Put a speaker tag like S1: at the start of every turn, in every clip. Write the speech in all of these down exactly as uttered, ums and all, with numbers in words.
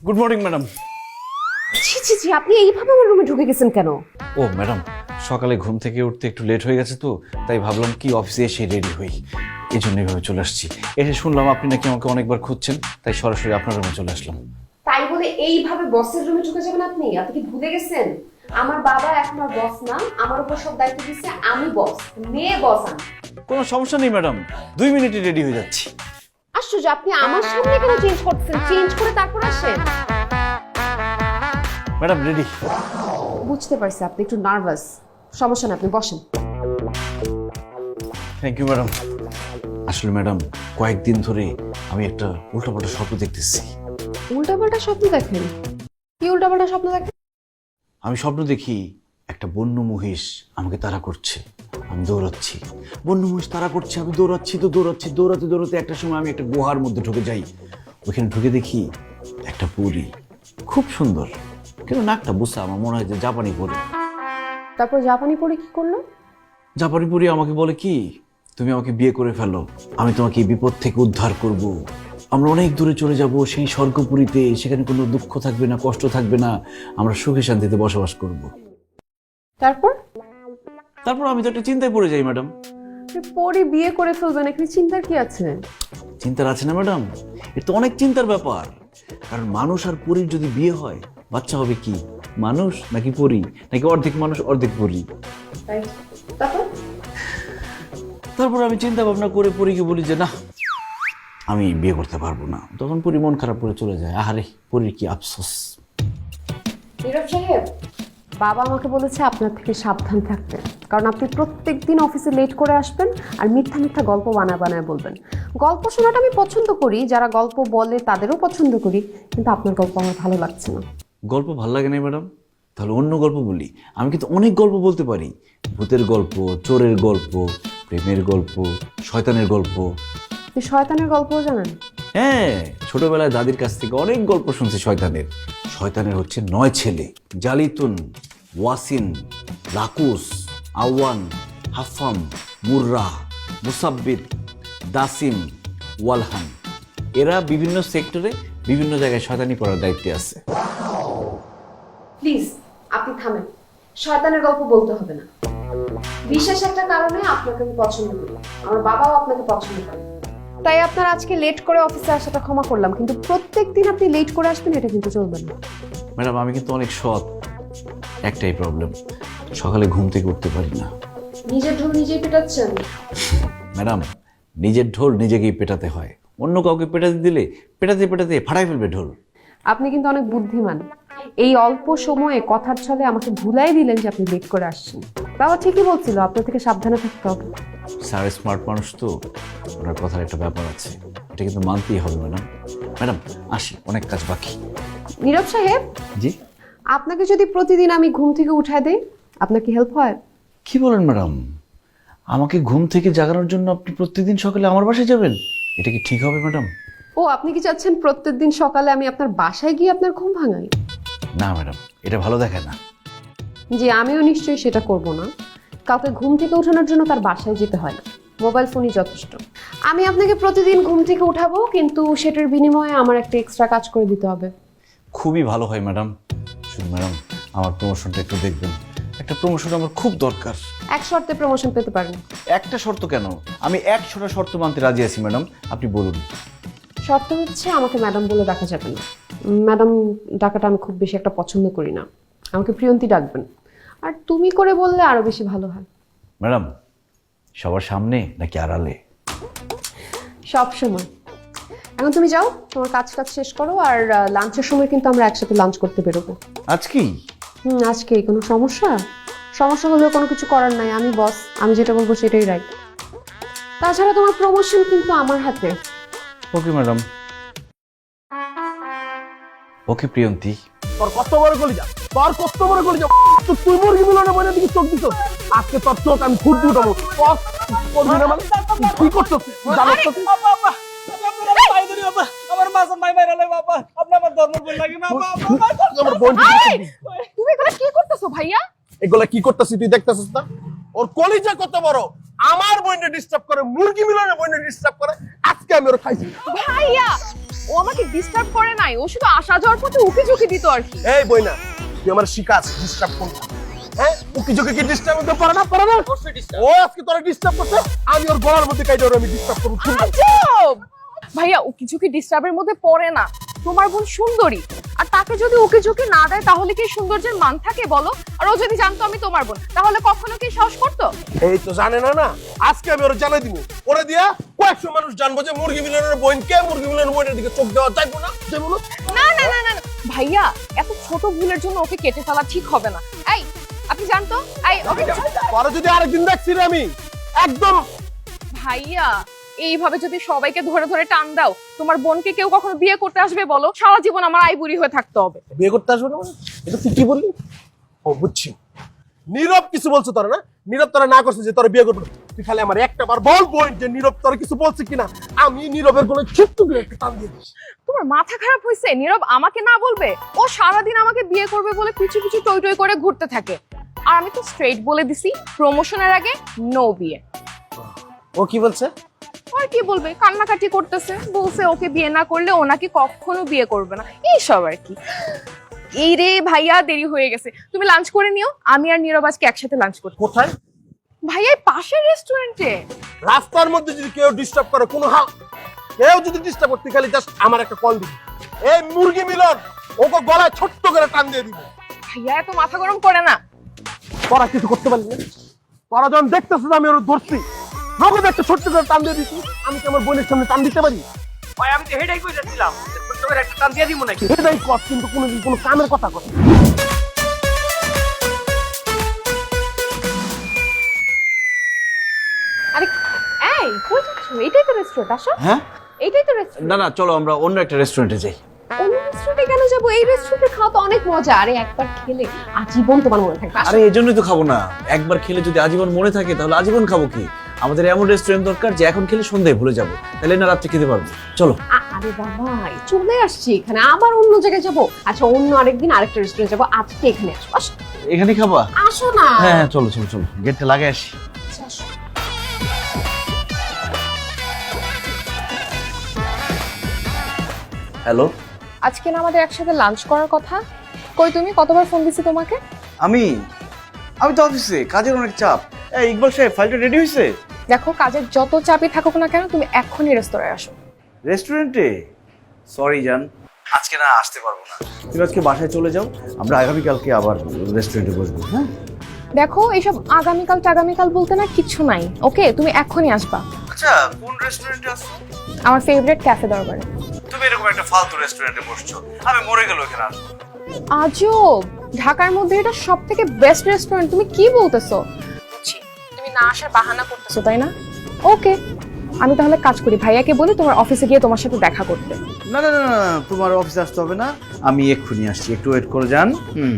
S1: Good morning madam.
S2: ছি ছি ছি, আপনি এইভাবে আমার রুমে ঢুকে গেছেন কেন?
S1: ও ম্যাডাম, সকালে ঘুম থেকে উঠতে একটু লেট হয়ে গেছে তো, তাই ভাবলাম কি অফিসে এসে রেডি হই, এই জন্য এইভাবে চলে আসছি। এসে শুনলাম আপনি নাকি আমাকে অনেকবার খুঁজছেন, তাই সরাসরি আপনার রুমে চলে আসলাম।
S2: তাই বলে এইভাবে বসের রুমে ঢুকে যাবেন আপনি? আপনি কি ভুলে গেছেন আমার বাবা এখন আর বস না, আমার উপর সব দায়িত্ব দিচ্ছে, আমি বস, মেয়ে বস আমি।
S1: কোনো সমস্যা নেই ম্যাডাম, দুই মিনিটে রেডি হয়ে যাচ্ছি।
S2: আশ্চর্য, আপনি আমার সামনে কেন চেঞ্জ করছেন? চেঞ্জ করে তারপর আসেন।
S1: Madam ready.
S2: বুঝতে পারছি আপনি একটু নার্ভাস, সমস্যা না, আপনি বসেন।
S1: Thank you madam. আসলে ম্যাডাম, কয়েকদিন ধরে আমি একটা উল্টাপাল্টা স্বপ্ন দেখতেছি।
S2: উল্টাপাল্টা স্বপ্ন দেখেন? কি উল্টাপাল্টা স্বপ্ন দেখেন?
S1: আমি স্বপ্ন দেখি একটা বন্য মহিষ আমাকে তাড়া করছে, আমি দৌড়াচ্ছি। বন্য মহিষ তাড়া করছে, আমি দৌড়াচ্ছি তো দৌড়াচ্ছি, দৌড়াতে দৌড়াতে একটা সময় আমি একটা গুহার মধ্যে ঢুকে যাই। ওইখানে ঢুকে দেখি একটা পরী, খুব সুন্দর, কিন্তু নাকটা বুঝা, আমার মনে হয় যে জাপানি পরী।
S2: তারপর জাপানি পরে কি করলো?
S1: জাপানি পরী আমাকে বলে কি, তুমি আমাকে বিয়ে করে ফেলো, আমি তোমাকে এই বিপদ থেকে উদ্ধার করব। আমরা অনেক দূরে চলে যাব, সেই স্বর্গপুরীতে, সেখানে কোনো দুঃখ থাকবে না, কষ্ট থাকবে না, আমরা সুখে শান্তিতে বসবাস করব।
S2: তারপর?
S1: তারপর আমি তো একটা চিন্তায় পড়ে যাই ম্যাডাম।
S2: পরে বিয়ে করে ফেলবেন, এখানে চিন্তার কি আছে?
S1: চিন্তার আছে না ম্যাডাম, এটা তো অনেক চিন্তার ব্যাপার। কারণ মানুষ আর পরীর যদি বিয়ে হয়, বাচ্চা হবে কি, মানুষ নাকি পরী, নাকি অর্ধেক মানুষ অর্ধেক পরী।
S2: তারপর?
S1: তারপর আমি চিন্তা ভাবনা করে পরীকে বলি যে না, আমি বিয়ে করতে পারবো না। তখন পরী মন খারাপ করে চলে যায়। আহারে, পরীর কি আফসোস।
S2: নীরব সাহেব, বাবা আমাকে বলেছে আপনার থেকে সাবধান থাকতে, কারণ আপনি প্রত্যেক দিন অফিসে লেট করে আসবেন আর মিথ্যা মিথ্যা গল্প বানায় বানায় বলবেন। গল্প শোনাটা আমি পছন্দ করি, যারা গল্প বলে তাদেরও পছন্দ করি, কিন্তু আপনার গল্প আমার ভালো লাগছে না।
S1: গল্প ভালো লাগে না ম্যাডাম? তাহলে অন্য গল্প বলি। আমি কিন্তু অনেক গল্প বলতে পারি, ভূতের গল্প, চোরের গল্প, প্রেমের গল্প, শয়তানের গল্প।
S2: আপনি শয়তানের গল্পও জানেন?
S1: হ্যাঁ, ছোটবেলায় দাদির কাছ থেকে অনেক গল্প শুনছি শয়তানের। শয়তানের হচ্ছে নয় ছেলে: জালিতুন, ওয়াসিন, লাকুস, আওয়ান, হাফাম, মুর্রা, মুসাব্বিত, দাসিম, ওয়ালহান। এরা বিভিন্ন সেক্টরে বিভিন্ন জায়গায় শয়তানি করার দায়িত্বে আছে।
S2: প্লিজ আপনি থামেন, শয়তানের গল্প বলতে হবে না। বিশেষ একটা কারণে আপনাকে আমি পছন্দ করি, আমার বাবাও আপনাকে পছন্দ করে, তাই আপনার আজকে লেট করে অফিসে আসাটা ক্ষমা করলাম, কিন্তু প্রত্যেকদিন আপনি লেট করে আসবেন এটা কিন্তু চলবে না।
S1: ম্যাডাম আমি কিন্তু অনেক সৎ, একটাই প্রবলেম, সকালে ঘুম থেকে উঠতে পারি না।
S2: নিজের ঢোল নিজেই পেটাচ্ছেন?
S1: ম্যাডাম, নিজের ঢোল নিজেকেই পেটাতে হয়, অন্য কাউকে পেটাতে দিলে পেটাতে পেটাতে ফাটাই ফেলবে ঢোল।
S2: আপনি কিন্তু অনেক বুদ্ধিমান, এই অল্প সময়ে কথার ছলে আমাকে ভুলাই দিলেন যে আপনি লেট করে আসছেন। বাবা ঠিকই বলছিল, আপনার থেকে সাবধানে থাকতে হবে।
S1: স্যার স্মার্ট মানুষ তো, ওনার কথার একটা ব্যাপার আছে, এটা কিন্তু মানতেই হবে ম্যাডাম। ম্যাডাম আসি, অনেক কাজ বাকি।
S2: নীরব সাহেব,
S1: জি?
S2: আপনাকে যদি প্রতিদিন আমি ঘুম থেকে উঠায় দেই, আপনার কি হেল্প হয়?
S1: কি বলেন ম্যাডাম, আমাকে ঘুম থেকে জাগানোর জন্য আপনি প্রত্যেকদিন সকালে আমার বাসায় যাবেন? এটা কি ঠিক হবে ম্যাডাম?
S2: ও, আপনি কি চাচ্ছেন প্রত্যেকদিন সকালে আমি আপনার বাসায় গিয়ে আপনার ঘুম ভাঙাই?
S1: না ম্যাডাম, এটা ভালো দেখায় না।
S2: জি, আমিও নিশ্চয়ই সেটা করব না। কাউকে ঘুম থেকে ওঠানোর জন্য তার বাসায় যেতে হয় না, মোবাইল ফোনই যথেষ্ট। আমি আপনাকে প্রতিদিন ঘুম থেকে উঠাবো, কিন্তু সেটার বিনিময়ে আমার একটা এক্সট্রা কাজ করে দিতে হবে।
S1: খুবই ভালো হয় ম্যাডাম। শুনুন ম্যাডাম, আমার প্রমোশনটা একটু দেখবেন, একটা প্রমোশন আমার খুব দরকার।
S2: এক শর্তে প্রমোশন পেতে পারেন।
S1: একটা শর্ত কেন, আমি একশোটা শর্ত মানতে রাজি আছি ম্যাডাম, আপনি বলুন।
S2: শর্ত হচ্ছে আমাকে ম্যাডাম বলে ডাকা যাবে না। ম্যাডাম ডাকাটা আমি খুব বেশি একটা পছন্দ করি না, আমাকে প্রিয়ন্তী ডাকবেন। আর তুমি করে বললে আরো বেশি ভালো হয়।
S1: ম্যাডাম, সবার সামনে নাকি আড়ালে?
S2: সব সময়। এখন তুমি যাও, তোমার কাজ কাজ শেষ করো, আর লাঞ্চের সময় কিন্তু আমরা একসাথে লাঞ্চ করতে বেরোবো।
S1: আজকেই?
S2: হুম, আজকেই। কোনো সমস্যা? সমস্যা হলেও কোনো কিছু করার নাই, আমি বস, আমি যেটা বলবো সেটাই রাইট। তাছাড়া তোমার প্রমোশন কিন্তু আমার হাতে।
S1: Okay madam. ওকে প্রিয়ন্তী।
S3: তোর কত বড় গলি যা, তোর কত বড় গলি যা, তুই মুরগি মিলনে বলে দিকে চোখ দিছ। আজকে তোর চোখ আমি খুব দুটাবো। তোর করবি না মানে কি করছস? জানো তো বাবা বাবা আপনারা ভাই ধরি বাবা, আমার মাসন ভাই বাইরালে বাবা, আপনি আমার ধর্ম বল লাগি না বাবা। আমার বোন
S2: তুমি এগুলো কি করতেছো ভাইয়া?
S3: এগুলা কি করতেছিস তুই দেখতেছিস না? ওর কলিজা কত বড়, আমার বোনকে ডিস্টার্ব করে, মুরগি মিলনে বোনকে ডিস্টার্ব করে। আজকে আমি ওর খাইছি।
S2: ভাইয়া
S4: ও আমাকে ডিস্টার্ব করে নাই, ও শুধু আসা যাওয়ার পথে উকি ঝুঁকি দিত আর কি।
S3: এই বই না, তুই আমার শিকাস ডিস্টার্ব করবি। হ্যাঁ উকি ঝুঁকি কি ডিস্টার্ব করতে পারে না পারে না? ও আজকে তোরা ডিস্টার্ব করছে, আমি ওর গলার মধ্যে কাইটা ওর আমি ডিস্টার্ব করব।
S4: আজব! ভাইয়া উকি ঝুঁকি ডিস্টার্বের মধ্যে পড়ে না, তোমার বোন সুন্দরী, আর তাকে যদি উকি ঝুঁকি না দেয় তাহলে কি সৌন্দর্যের মান থাকে বলো? আর ও যদি জানতো আমি তোমার বোন, তাহলে কখনো কি সাহস করতো?
S3: এই তো জানে না না, আজকে আমি ওরা জানাই দিব। ওরে দিয়া কয়েকশো মানুষ জানবো যে মুরগি মিলনের বোন কে, মুরগি মিলনের বোনের দিকে চোখ দেওয়া যাইবো না, যাইবো না।
S4: না না না না না, ভাইয়া এত ছোট ভুলের জন্য ওকে কেটে ফেলা ঠিক হবে না। এই আপনি জানতো, এই ওকে
S3: পরে যদি আরেকদিন দেখছি রে আমি একদম।
S4: ভাইয়া এইভাবে যদি সবাইকে ধরে ধরে টান দাও, তোমার বোনকে কেউ কখনো বিয়ে করতে আসবে বলো? সারা জীবন আমার আইবুড়ি হয়ে থাকতে হবে।
S3: বিয়ে করতে আসবে না মানে? এটা তুই কি বললি? ও বুঝছি, নীরব কিছু বলছো তোরা না? নীরব তোরা না করছে যে তোরা বিয়ে করবে, তুই খালি আমার একটা বার বল পয়েন্ট যে নীরব তোরা কিছু বলছে কিনা। আমি নীরবের কোনো ছোট্ট করে একটা টান দিয়ে দিস।
S4: তোমার মাথা খারাপ হয়েছে? নীরব আমাকে না বলবে? ও সারাদিন আমাকে বিয়ে করবে বলে পিছু পিছু টই টই করে ঘুরতে থাকে, আর আমি তো স্ট্রেট বলে দিছি প্রমোশনের আগে নো বিয়ে।
S3: ও কি বলছে?
S4: আর কি বলবে, কান্নাকাটি করতেছে, বলছে ওকে বিয়ে না করলে ও নাকি কখনো বিয়ে করবে না, এইসব আর কি। এই রে ভাইয়া দেরি হয়ে গেছে, তুমি লাঞ্চ করে নিও, আমি আর নীরব আজকে একসাথে লাঞ্চ করব।
S3: কোথায়?
S4: ভাইয়া এই পাশের রেস্টুরেন্টে।
S3: রাস্তার মধ্যে যদি কেউ ডিস্টার্ব করে, কোনো হাল কেউ যদি ডিস্টার্ব করতে, খালি জাস্ট আমার একটা কল দিবি। এই মুরগি মিলন ওকে গলায় ছোট্ট করে টান দিয়ে দিব।
S4: ভাইয়া এত মাথা গরম করে না।
S3: তোরা কিছু করতে পারলি না? তোরা যখন দেখতেছিস আমি ওর ধরছি, নগদ একটা ছোট্ট করে টান দিয়ে দিচ্ছি, আমি কি আমার বোনের সামনে টান দিতে পারি?
S5: ভাই আমি তো হেডাই কইতেছিলাম ছোট্ট করে একটা টান দিয়ে দিব নাকি?
S3: এটাই কর, কিন্তু কোনোদিন কোনো কামের কথা কর।
S2: আরে এই কই যাচ্ছ? এটাই তো রেস্টুরেন্ট, আসো।
S1: হ্যাঁ
S2: এইটাই তো রেস্টুরেন্ট।
S1: না না, চলো আমরা অন্য একটা রেস্টুরেন্টে যাই।
S2: অন্য রেস্টুরেন্টে কেন যাবো? এই রেস্টুরেন্টে খাওয়া তো অনেক মজা, আরে একবার খেলে আজীবন তোমার মনে থাকবে। আসো।
S1: আরে এই জন্যই তো খাবো না, একবার খেলে যদি আজীবন মনে থাকে তাহলে আজীবন খাবো কি? আমাদের এমন রেস্টুরেন্ট দরকার যে এখন খেলে সন্ধ্যায় ভুলে যাবো, তাহলে না রাত্রে খেতে পারবো। চলো।
S2: আ- আরে বাবা চলে আসছি এখানে, আবার অন্য জায়গায় যাবো? আচ্ছা অন্য আরেকদিন আরেকটা রেস্টুরেন্ট যাবো, আজকে এখানে আসো। আসো
S1: এখানে খাবা?
S2: আসো না।
S1: হ্যাঁ হ্যাঁ চলো চলো চলো, গেটটা লাগাই আসি।
S2: আচ্ছা, আসো।
S1: হ্যালো,
S4: আজকে না আমাদের একসাথে লাঞ্চ করার কথা, কই তুমি? কতবার ফোন দিছি তোমাকে?
S1: আমি আমি তো অফিসে, কাজের অনেক চাপ। এই ইকবাল সাহেব, ফাইলটা রেডি হয়েছে?
S4: দেখো কাজের যত চাপই থাকুক না কেন, তুমি এক্ষুনি রেস্তোরাঁয় আসো।
S1: রেস্টুরেন্টে? সরি জান, আজকে না আসতে পারবো না। তুমি আজকে বাসায় চলে যাও, আমরা আগামীকালকে আবার রেস্টুরেন্টে বসবো। হ্যাঁ
S4: দেখো এইসব আগামীকাল টাগামীকাল বলতে না কিচ্ছু নাই, ওকে? তুমি এক্ষুনি আসবা
S1: আচ্ছা, কোন রেস্টুরেন্টে আসছো?
S4: আমার ফেভারিট ক্যাফে দরবারে।
S1: তুমি এরকম একটা ফালতু রেস্টুরেন্টে বসছো, আমি মরে গেল এখানে আসবো।
S4: আজব, ঢাকার মধ্যে এটা সব থেকে বেস্ট রেস্টুরেন্ট, তুমি কি বলতেছো? বুঝছি, তুমি না আসার বাহানা করতেছো তাই না? ওকে, আমি তাহলে কাজ করি, ভাইয়াকে বলি তোমার অফিসে গিয়ে তোমার সাথে দেখা করতে।
S1: না না না না, তোমার অফিসে আসতে হবে না, আমি এক্ষুনি আসছি, একটু ওয়েট করে যান। হুম।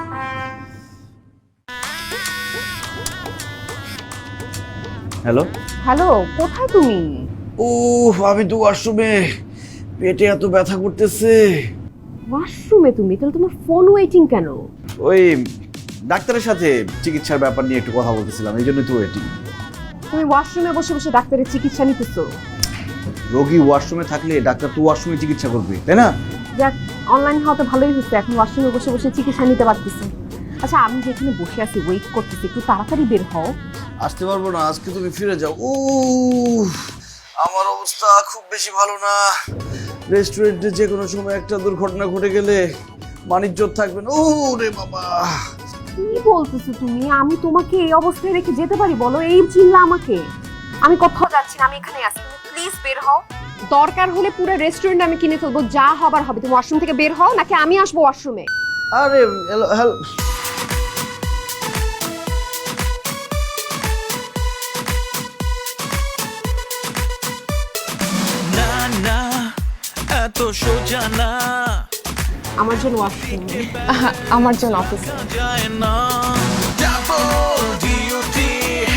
S1: হ্যালো
S2: হ্যালো, কোথায় তুমি?
S1: উফ, আমি তো ওয়াশরুমে, পেটে এত ব্যথা করতেছে।
S2: ওয়াশরুমে তুমি? তাহলে তোমার ফোন ওয়েটিং কেন?
S1: ওই ডাক্তারের সাথে চিকিৎসার ব্যাপার নিয়ে একটু কথা বলতেছিলাম, এই জন্যই তো ওয়েটিং।
S2: তুমি ওয়াশরুমে বসে বসে ডাক্তারের চিকিৎসা নিতেছো?
S1: রোগী ওয়াশরুমে থাকলে ডাক্তার তো ওয়াশরুমে চিকিৎসা করবে, তাই না?
S2: যাক, অনলাইন হওয়াতে ভালোই হচ্ছে, এখন ওয়াশরুমে বসে বসে চিকিৎসা নিতে পারতেছি। আচ্ছা আমি যেখানে বসে আছি ওয়েট করতেছি, একটু তাড়াতাড়ি বের হও।
S1: আসতে পারবো না, আজকে তুমি ফিরে যাও। ও আমার অবস্থা খুব বেশি ভালো না। রেস্টুরেন্টে যে কোনো সময় একটা দুর্ঘটনা ঘটে গেলে মানিজ্জত থাকবে না। ও রে বাবা,
S2: কি বলতেছো তুমি? আমি তোমাকে এই অবস্থায় রেখে যেতে পারি বলো? এই চিল্লা আমাকে। আমি কোথাও যাচ্ছি না, আমি এখানে আছি, তুমি প্লিজ বের হও। দরকার হলে পুরো রেস্টুরেন্ট আমি কিনে ফেলবো, যা হবার হবে। তুমি ওয়াশরুম থেকে বের হও, নাকি আমি আসবো ওয়াশরুমে?
S1: আরে হ্যালো,
S6: না না এত সোজা না,
S2: আমার জন্য ওয়াশরুমে।
S4: আহা, আমার জন্য অফিসে।
S6: যায় না ডাবল ডিউটি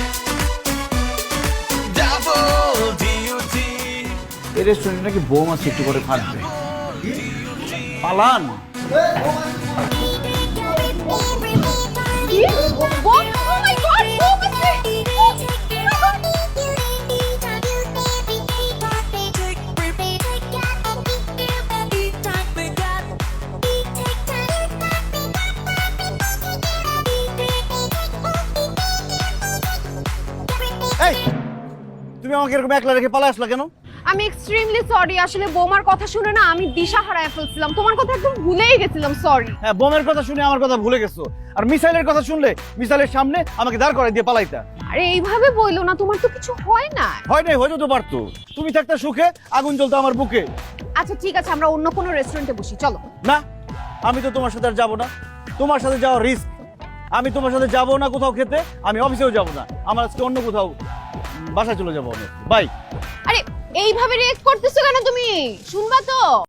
S6: ডাবল ডিউটি।
S1: এই রেস্টুরেন্টে নাকি বোম আছে, একটু করে ফাটবে। পালান।
S4: কি? What? Oh my God! Bomb আছে!
S3: আমাকে এরকম একলা রেখে পালা আসলা কেন?
S2: আমি এক্সট্রিমলি সরি, আসলে বৌমার কথা শুনে না আমি দিশা হারায় ফেলছিলাম, তোমার কথা একদম ভুলেই গেছিলাম, সরি।
S3: হ্যাঁ, বোমের কথা শুনে আমার কথা ভুলে গেছো, আর মিসাইলের কথা শুনলে মিসাইলের সামনে আমাকে দাঁড় করাই দিয়ে পালাইতা।
S2: আরে এইভাবে বইলো না, তোমার তো কিছু হয় না।
S3: হয় নাই, হয়তো তো পারতো। তুমি থাকতে সুখে আগুন জ্বলতো আমার বুকে।
S2: আচ্ছা ঠিক আছে, আমরা অন্য কোনো রেস্টুরেন্টে বসি, চলো।
S3: না, আমি তো তোমার সাথে আর যাবো না, তোমার সাথে যাওয়া রিস্ক। আমি তোমার সাথে যাবো না কোথাও খেতে, আমি অফিসেও যাবো না, আমার আজকে অন্য কোথাও বাসায় চলে যাবো আমি। বাই।
S2: আরে এইভাবে রিয়েক্ট করতেছো কেন তুমি? শুনবা তো।